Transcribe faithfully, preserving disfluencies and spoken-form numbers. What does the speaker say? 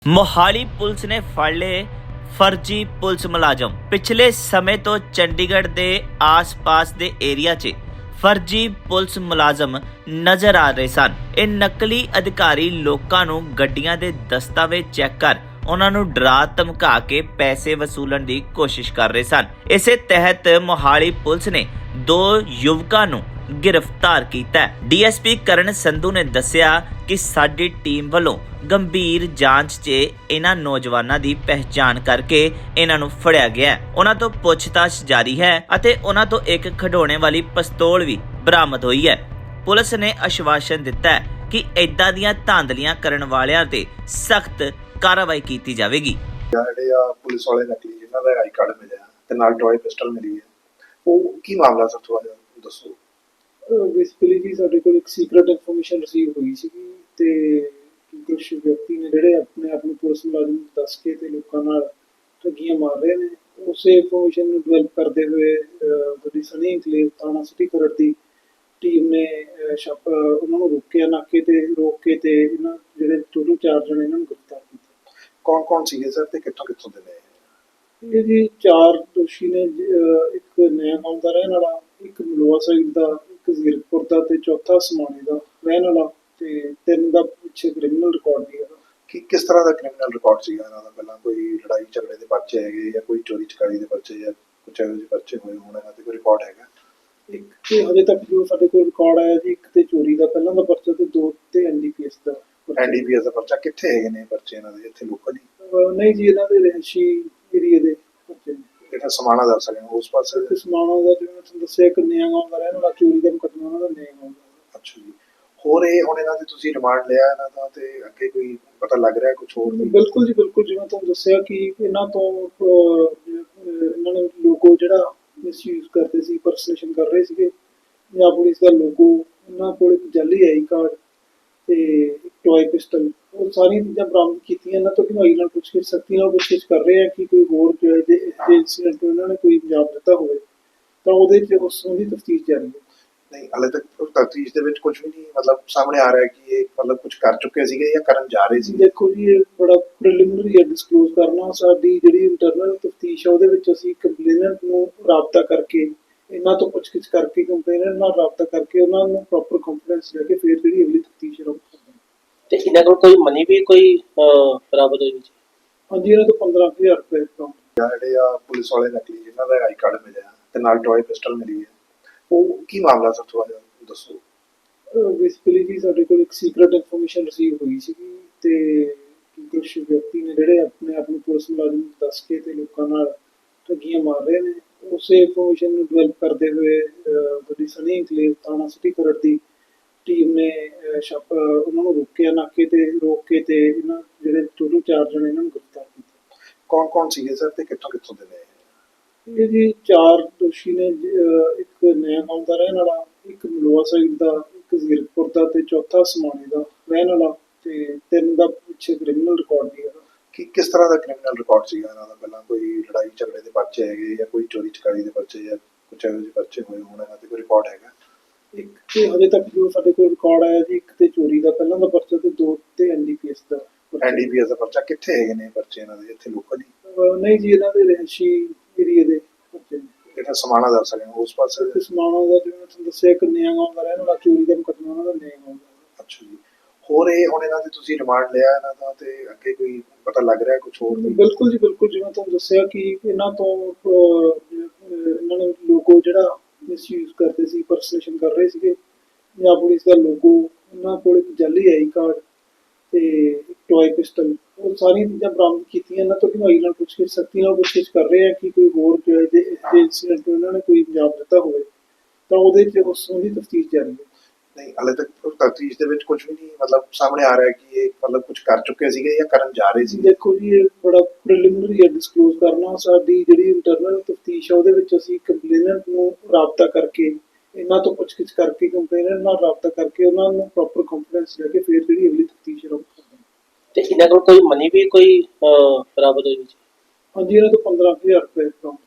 Mohali police ਨੇ ਫੜ ਲਏ ਫਰਜ਼ੀ ਪੁਲਿਸ ਮੁਲਾਜ਼ਮ। ਪਿਛਲੇ ਸਮੇਂ ਤੋਂ ਚੰਡੀਗੜ੍ਹ ਦੇ ਆਸ-ਪਾਸ ਦੇ ਏਰੀਆ 'ਚ ਫਰਜ਼ੀ ਪੁਲਿਸ ਮੁਲਾਜ਼ਮ ਨਜ਼ਰ ਆ ਰਹੇ ਸਨ। ਇਹ ਨਕਲੀ ਅਧਿਕਾਰੀ ਲੋਕਾਂ ਨੂੰ ਗੱਡੀਆਂ ਦੇ ਦਸਤਾਵੇਜ਼ ਚੈੱਕ ਕਰ ਉਹਨਾਂ ਨੂੰ ਡਰਾ ਧਮਕਾ ਕੇ ਪੈਸੇ ਵਸੂਲਣ ਦੀ ਕੋਸ਼ਿਸ਼ ਕਰ ਰਹੇ ਸਨ। ਇਸੇ ਤਹਿਤ ਮੋਹਾਲੀ ਪੁਲਿਸ ਨੇ ਦੋ ਯੁਵਕਾਂ ਨੂੰ गिरफ्तार किया। डीएसपी करण संधू ने दस्सिया कि साडी टीम वालों गंभीर जांच च इन्हां नौजवानों की पहचान करके इन्हां नूं फड़िया गया। उन्हां तो पुछताछ जारी है अते उन्हां तो एक खिडौने वाली पिस्तौल भी बरामद हुई है। पुलिस ने आश्वासन दिता है कि इदां दीयां धांधलियां करन वालियां ते सख्त कार्रवाई की जाएगी। पुलिस वाले नकली जिन्हां दा आई कार्ड मिलिया ते नाल टॉय पिस्टल मिली है, वो की मामला सर थोड़ा जिहा दसो। बेसिकली जी साडे कोल एक सीक्रेट इन्फॉर्मेशन रिसीव हुई सी ते कुछ व्यक्ति ने जिहड़े अपने आप नूं पुलिस मुलाजम दस के ते लोकां नाल ठगियां मार रहे ने। उसे इन्फॉर्मेशन नूं डिवेलप करते हुए जिहड़ी सनी इंकलेव थाना सिटी खरड़ दी टीम ने छापा उन्हां नूं रोकिया, नाके ते रोक के ते इन्हां जिहड़े टोटल चार जणे इन्हां नूं गिरफ्तार कीता। कौन कौन सीगे सर ते कित्थों कित्थों दे ने? ये जी चार दोषी ने, एक नया गांव दा रहण वाला, एक मलोआ साइड दा, एक ਜ਼ੀਰਕਪੁਰ ਦਾ ਤੇ ਚੌਥਾ ਸਮਾਣੇ ਦਾ ਰਹਿਣ ਵਾਲਾ ਤੇ ਤਿੰਨ ਦਾ ਪਿੱਛੇ ਕ੍ਰਿਮੀਨਲ ਰਿਕਾਰਡ ਵੀ ਹੈਗਾ। ਕਿ ਕਿਸ ਤਰ੍ਹਾਂ ਦਾ ਕ੍ਰਿਮੀਨਲ ਰਿਕਾਰਡ ਸੀਗਾ ਇਹਨਾਂ ਦਾ? ਪਹਿਲਾਂ ਕੋਈ ਲੜਾਈ ਝਗੜੇ ਦੇ ਪਰਚੇ ਹੈਗੇ ਜਾਂ ਕੋਈ ਚੋਰੀ ਚਕਾਰੀ ਦੇ ਪਰਚੇ ਜਾਂ ਕੁਝ ਇਹੋ ਜਿਹੇ ਪਰਚੇ ਹੋਏ ਹੋਣ? ਇਹਨਾਂ ਤੇ ਕੋਈ ਰਿਕਾਰਡ ਹੈਗਾ? ਇੱਕ ਤੇ ਹਜੇ ਤੱਕ ਜੋ ਸਾਡੇ ਕੋਲ ਰਿਕਾਰਡ ਆਇਆ ਜੀ, ਇੱਕ ਤੇ ਚੋਰੀ ਦਾ ਪਹਿਲਾਂ ਦਾ ਪਰਚਾ ਤੇ ਦੋ ਤੇ ਐਨਡੀਪੀਐਸ ਦਾ। ਐਨਡੀਪੀਐਸ ਦਾ ਪਰਚਾ ਕਿੱਥੇ ਹੈਗੇ ਨੇ ਪਰਚੇ ਇਹਨਾਂ ਦੇ? ਇੱਥੇ ਲੋਕਲ ਹੀ? ਨਹੀਂ ਜੀ, ਇਹਨਾਂ ਦੇ ਰਹਿਸ਼ੀ ਏਰੀਏ ਦੇ ਪਰਚੇ ਨੇ। ਜਿਹੜਾ ਸਮਾਣਾ ਦੱਸ ਰਹੇ ਹੋ ਉਸ ਪਾਸੇ? ਸਮਾਣਾ ਦਾ ਜਿਵੇਂ ਮੈਂ ਤੁਹਾਨੂੰ ਦੱਸਿਆ, ਇੱਕ ਨਿਆਂ ਗਾਂਵ ਦਾ ਰਹਿਣ ਵਾਲਾ, ਚੋਰੀ ਦਾ ਮੁਕੱਦਮਾ ਉਹਨਾਂ ਦਾ ਨਿਆਂ ਗਾਂਵ ਦਾ। ਅੱਛਾ ਜੀ। ਹੋਰ ਇਹ ਹੁਣ ਇਹਨਾਂ ਦੇ ਤੁਸੀਂ ਰਿਮਾਂਡ ਲਿਆ ਇਹਨਾਂ ਦਾ ਤੇ ਅੱਗੇ ਕੋਈ ਪਤਾ ਲੱਗ ਰਿਹਾ ਕੁਝ ਹੋਰ? ਬਿਲਕੁਲ ਜੀ ਬਿਲਕੁਲ, ਜਿਵੇਂ ਤੁਹਾਨੂੰ ਦੱਸਿਆ ਕਿ ਇਹਨਾਂ ਤੋਂ ਇਹਨਾਂ ਨੇ ਲੋਗੋ ਜਿਹੜਾ ਮਿਸਯੂਜ਼ ਕਰਦੇ ਸੀ, ਪਰਸਨੇਸ਼ਨ ਕਰ ਰਹੇ ਸੀਗੇ। ਪੰਜਾਬ ਪੁਲਿਸ ਦਾ ਲੋਗੋ, ਇਹਨਾਂ ਕੋਲ ਇੱਕ ਜਾਲੀ ਆਈ ਕਾਰਡ ਤੇ ਇੱਕ ਟੋਏ ਪਿਸਟਲ, ਉਹ ਸਾਰੀਆਂ ਚੀਜ਼ਾਂ ਬਰਾਮਦ ਕੀਤੀਆਂ। ਇਹਨਾਂ ਤੋਂ ਢੁਆਈ ਨਾਲ ਪੁੱਛਗਿੱਛ ਸਖਤੀ ਨਾਲ ਪੁੱਛਗਿੱਛ ਕਰ ਰਹੇ ਆ ਕਿ ਕੋਈ ਹੋਰ ਜੋ ਇਹਦੇ ਇੰਸੀਡੈਂਟ ਇਹਨਾਂ ਨੇ ਕੋਈ ਅੰਜਾਮ ਦਿੱਤਾ ਹੋਵੇ ਤਾਂ ਉਹਦੇ 'ਚ ਉਸ ਦੀ ਤਫਤੀਸ਼ ਜਾਰੀ ਹੈ। ਨਹੀਂ, ਹਾਲੇ ਤੱਕ ਤਫਤੀਸ਼ ਦੇ ਵਿੱਚ ਕੁਝ ਵੀ ਨਹੀਂ ਮਤਲਬ ਸਾਹਮਣੇ ਆ ਰਿਹਾ ਕਿ ਇਹ ਮਤਲਬ ਕੁਝ ਕਰ ਚੁੱਕੇ ਸੀਗੇ ਜਾਂ ਕਰਨ ਜਾ ਰਹੇ ਸੀ? ਦੇਖੋ ਜੀ, ਇਹ ਬੜਾ ਪ੍ਰੀਲਿਮਿਨਰੀ ਹੈ ਡਿਸਕਲੋਜ਼ ਕਰਨਾ। ਸਾਡੀ ਜਿਹੜੀ ਇੰਟਰਨਲ ਤਫਤੀਸ਼ ਹੈ ਉਹਦੇ ਵਿੱਚ ਅਸੀਂ ਕੰਪਲੇਨੈਂਟ ਨੂੰ ਰਾਬਤਾ ਕਰਕੇ, ਇਹਨਾਂ ਤੋਂ ਪੁੱਛਗਿੱਛ ਕਰਕੇ, ਕੰਪਲੇਨੈਂਟ ਨਾਲ ਰਾਬਤਾ ਕਰਕੇ ਉਹਨਾਂ ਨੂੰ ਪ੍ਰੋਪਰ ਕੰਫੀਡੈਂਸ ਲੈ ਕੇ ਫਿਰ ਜਿਹੜੀ ਅਗਲੀ ਤਫਤੀਸ਼ ਸ਼ੁਰੂ ਕਰਦੇ ਹਾਂ। ਤੇ ਇਹਨਾਂ ਕੋਲ ਕੋਈ ਮਨੀ ਵੀ ਕੋਈ ਬਰਾਬਰ ਹੋਈ? ਹਾਂਜੀ, ਇਹਨਾਂ ਤੋਂ ਪੰਦਰਾਂ ਹਜ਼ਾਰ ਰੁਪਏ ਅਕਾਊਂਟ। ਜਿਹੜੇ ਆ ਪੁਲਿਸ ਵਾਲੇ ਨਕਲੀ ਜਿਨ੍ਹਾਂ ਦਾ ਆਈ ਕਾਰਡ ਮਿਲਿਆ ਤੇ ਨਾਲ ਟॉय ਪਿਸਟਲ ਮਿਲੀ ਹੈ, ਉਹ ਕੀ ਮਾਮਲਾ ਸਰ ਥੋੜਾ ਜਿਹਾ ਦੱਸੋ। ਬੇਸਿਕਲੀ ਜੀ ਸਾਡੇ ਕੋਲ ਇੱਕ ਸੀਕ੍ਰੇਟ ਇਨਫੋਰਮੇਸ਼ਨ ਰਿਸੀਵ ਹੋਈ ਸੀ ਤੇ ਕੁਝ ਵਿਅਕਤੀ ਨੇ ਜਿਹੜੇ ਆਪਣੇ ਆਪ ਨੂੰ ਪੁਲਿਸ ਮੁਲਾਜ਼ਮ ਦੱਸ ਕੇ ਤੇ ਲੋਕਾਂ ਨਾਲ ਠੱਗੀਆਂ ਮਾਰ ਰਹੇ ਨੇ। ਉਸੇ ਇਨਫੋਰਮੇਸ਼ਨ ਨੂੰ ਡਿਵੈਲਪ ਕਰਦੇ ਹੋਏ ਜਿਹੜੀ ਸਨੀ ਇੰਕਲੇਵ ਥਾਣਾ ਸਿਟੀ ਖਰੜ ਦੀ ਟੀਮ ਨੇ ਛਾਪਾ ਉਹਨਾਂ ਨੂੰ ਰੋਕਿਆ, ਨਾਕੇ ਤੇ ਰੋਕ ਕੇ ਤੇ ਇਹਨਾਂ ਜਿਹੜੇ ਟੋਟਲ ਚਾਰ ਜਣੇ ਇਹਨਾਂ ਨੂੰ ਗ੍ਰਿਫਤਾਰ ਕੀਤਾ। ਕੌਣ ਕੌਣ ਸੀਗੇ ਸਰ ਤੇ ਕਿੱਥੋਂ ਕਿੱਥੋਂ ਦੇ ਨੇ? ਇਹ ਜੀ ਚਾਰ ਦੋਸ਼ੀ ਨੇ, ਇੱਕ ਨਇਆ ਗਾਂਵ ਦਾ ਰਹਿਣ ਵਾਲਾ, ਇੱਕ ਮਲੋਆ ਸਾਈਡ ਦਾ, ਇੱਕ ਜ਼ੀਰਕਪੁਰ ਦਾ ਤੇ ਚੌਥਾ ਸਮਾਣੇ ਦਾ ਰਹਿਣ ਵਾਲਾ ਤੇ ਤਿੰਨ ਦਾ ਪਿੱਛੇ ਕ੍ਰਿਮੀਨਲ ਰਿਕਾਰਡ ਵੀ ਹੈਗਾ। ਕਿ ਕਿਸ ਤਰ੍ਹਾਂ ਦਾ ਕ੍ਰਿਮੀਨਲ ਰਿਕਾਰਡ ਸੀਗਾ ਇਹਨਾਂ ਦਾ? ਪਹਿਲਾਂ ਕੋਈ ਲੜਾਈ ਝਗੜੇ ਦੇ ਪਰਚੇ ਹੈਗੇ ਜਾਂ ਕੋਈ ਚੋਰੀ ਚਕਾਰੀ ਦੇ ਪਰਚੇ ਜਾਂ ਕੁਝ ਇਹੋ ਜਿਹੇ ਪਰਚੇ ਹੋਏ ਹੋਣ? ਇਹਨਾਂ ਤੇ ਕੋਈ ਰਿਕਾਰਡ ਹੈਗਾ? ਇੱਕ ਤੇ ਹਜੇ ਤੱਕ ਜੋ ਸਾਡੇ ਕੋਲ ਰਿਕਾਰਡ ਆਇਆ ਜੀ, ਇੱਕ ਤੇ ਚੋਰੀ ਦਾ ਪਹਿਲਾਂ ਦਾ ਪਰਚਾ ਤੇ ਦੋ ਤੇ ਐਨਡੀਪੀਐਸ ਦਾ। ਐਨਡੀਪੀਐਸ ਦਾ ਪਰਚਾ ਕਿੱਥੇ ਹੈਗੇ ਨੇ ਪਰਚੇ ਇਹਨਾਂ ਦੇ? ਇੱਥੇ ਲੋਕਲ ਹੀ? ਨਹੀਂ ਜੀ, ਇਹਨਾਂ ਦੇ ਰਹਿਸ਼ੀ ਏਰੀਏ ਦੇ ਪਰਚੇ ਨੇ। ਜਿਹੜਾ ਸਮਾਣਾ ਦੱਸ ਰਹੇ ਹੋ ਉਸ ਪਾਸੇ? ਸਮਾਣਾ ਦਾ ਜਿਵੇਂ ਮੈਂ ਤੁਹਾਨੂੰ ਦੱਸਿਆ, ਇੱਕ ਨਿਆਂ ਗਾਂਵ ਦਾ ਰਹਿਣ ਵਾਲਾ, ਚੋਰੀ ਦਾ ਮੁਕੱਦਮਾ ਉਹਨਾਂ ਦਾ ਨਿਆਂ ਗਾਂਵ ਦਾ। ਅੱਛਾ ਜੀ। ਹੋਰ ਇਹ ਹੁਣ ਇਹਨਾਂ ਦੇ ਤੁਸੀਂ ਰਿਮਾਂਡ ਲਿਆ ਇਹਨਾਂ ਦਾ ਤੇ ਅੱਗੇ ਕੋਈ ਪਤਾ ਲੱਗ ਰਿਹਾ ਕੁਝ ਹੋਰ? ਬਿਲਕੁਲ ਜੀ ਬਿਲਕੁਲ, ਜਿਵੇਂ ਤੁਹਾਨੂੰ ਦੱਸਿਆ ਕਿ ਇਹਨਾਂ ਤੋਂ ਇਹਨਾਂ ਨੇ ਲੋਗੋ ਜਿਹੜਾ ਮਿਸਯੂਜ਼ ਕਰਦੇ ਸੀ, ਪਰਸਨੇਸ਼ਨ ਕਰ ਰਹੇ ਸੀਗੇ। ਪੰਜਾਬ ਪੁਲਿਸ ਦਾ ਲੋਗੋ, ਇਹਨਾਂ ਕੋਲ ਇੱਕ ਜਾਲੀ ਆਈ ਕਾਰਡ ਤੇ ਇੱਕ ਟੋਏ ਪਿਸਟਲ, ਉਹ ਸਾਰੀਆਂ ਚੀਜ਼ਾਂ ਬਰਾਮਦ ਕੀਤੀਆਂ। ਇਹਨਾਂ ਤੋਂ ਢੁਆਈ ਨਾਲ ਪੁੱਛਗਿੱਛ ਸਖਤੀ ਨਾਲ ਪੁੱਛਗਿੱਛ ਕਰ ਰਹੇ ਆ ਕਿ ਕੋਈ ਹੋਰ ਜੋ ਇਹਦੇ ਇੰਸੀਡੈਂਟ ਇਹਨਾਂ ਨੇ ਕੋਈ ਅੰਜਾਮ ਦਿੱਤਾ ਹੋਵੇ ਤਾਂ ਉਹਦੇ 'ਚ ਉਸ ਦੀ ਤਫਤੀਸ਼ ਜਾਰੀ ਹੈ। ਨਹੀਂ, ਹਾਲੇ ਤੱਕ ਤਫਤੀਸ਼ ਦੇ ਵਿੱਚ ਕੁਝ ਵੀ ਨਹੀਂ ਮਤਲਬ ਸਾਹਮਣੇ ਆ ਰਿਹਾ ਕਿ ਇਹ ਮਤਲਬ ਕੁਝ ਕਰ ਚੁੱਕੇ ਸੀਗੇ ਜਾਂ ਕਰਨ ਜਾ ਰਹੇ ਸੀ? ਦੇਖੋ ਜੀ, ਇਹ ਬੜਾ ਪ੍ਰੀਲਿਮਿਨਰੀ ਹੈ ਡਿਸਕਲੋਜ਼ ਕਰਨਾ। ਸਾਡੀ ਜਿਹੜੀ ਇੰਟਰਨਲ ਤਫਤੀਸ਼ ਹੈ ਉਹਦੇ ਵਿੱਚ ਅਸੀਂ ਕੰਪਲੇਨੈਂਟ ਨੂੰ ਰਾਬਤਾ ਕਰਕੇ, ਇਹਨਾਂ ਤੋਂ ਪੁੱਛਗਿੱਛ ਕਰਕੇ, ਕੰਪਲੇਨੈਂਟ ਨਾਲ ਰਾਬਤਾ ਕਰਕੇ ਉਹਨਾਂ ਨੂੰ ਪ੍ਰੋਪਰ ਕੰਫੀਡੈਂਸ ਲੈ ਕੇ ਫਿਰ ਜਿਹੜੀ ਅਗਲੀ ਤਫਤੀਸ਼ ਸ਼ੁਰੂ ਕਰਦੇ ਹਾਂ। ਤੇ ਇਹਨਾਂ ਕੋਲ ਕੋਈ ਮਨੀ ਵੀ ਕੋਈ ਬਰਾਬਰ ਹੋਈ? ਹਾਂਜੀ, ਇਹਨਾਂ ਤੋਂ ਪੰਦਰਾਂ ਹਜ਼ਾਰ ਰੁਪਏ ਅਕਾਊਂਟ।